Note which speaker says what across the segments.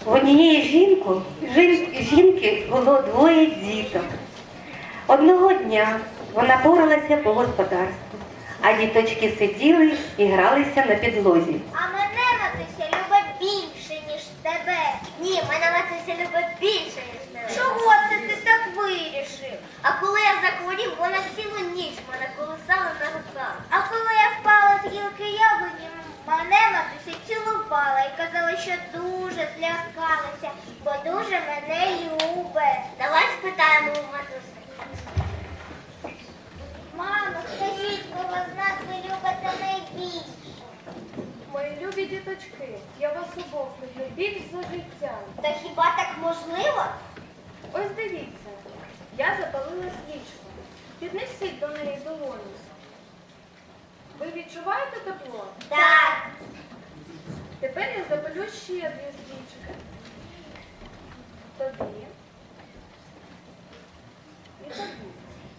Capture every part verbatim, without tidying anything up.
Speaker 1: В однієї жінку, жін- жінки було двоє діток. Одного дня вона поралася по господарству, а діточки сиділи і гралися на підлозі.
Speaker 2: А мене матуся любить більше, ніж тебе. Ні, мене матуся любить більше, ніж тебе. Чого це ти так вирішив? А коли я захворів, вона цілу ніч мене колисала на руках. А коли я впала з гілки яблуні, мене матуся цілувала і казала, що дуже злякалася, бо дуже мене любить. Давай спитаємо у матусі. Мамо, скажіть, кого з нас ви любите найбільше?
Speaker 3: Мої любі діточки, я вас обох люблю більш за життя.
Speaker 2: Та хіба так можливо?
Speaker 3: Ось дивіться, я запалила свічку. Піднесіть до неї долоню. Ви відчуваєте тепло?
Speaker 2: Так.
Speaker 3: Тепер я запалю ще дві свічки. Тобі. І тобі.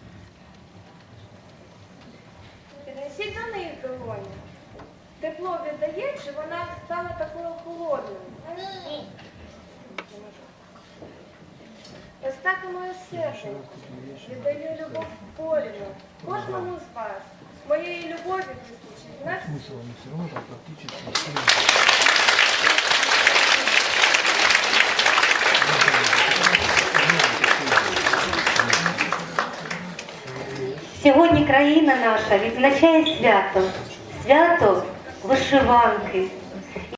Speaker 3: Піднесіть до них долоню. Тепло віддає, чи вона стала такою холодною?
Speaker 2: Ні.
Speaker 3: Ось так і моє серце. Віддаю любов порівну. Кожному з вас. Моєї любові вистачить на всіх.
Speaker 4: Смысл, но все равно там практически
Speaker 1: Сьогодні країна наша відзначає свято, свято вишиванки.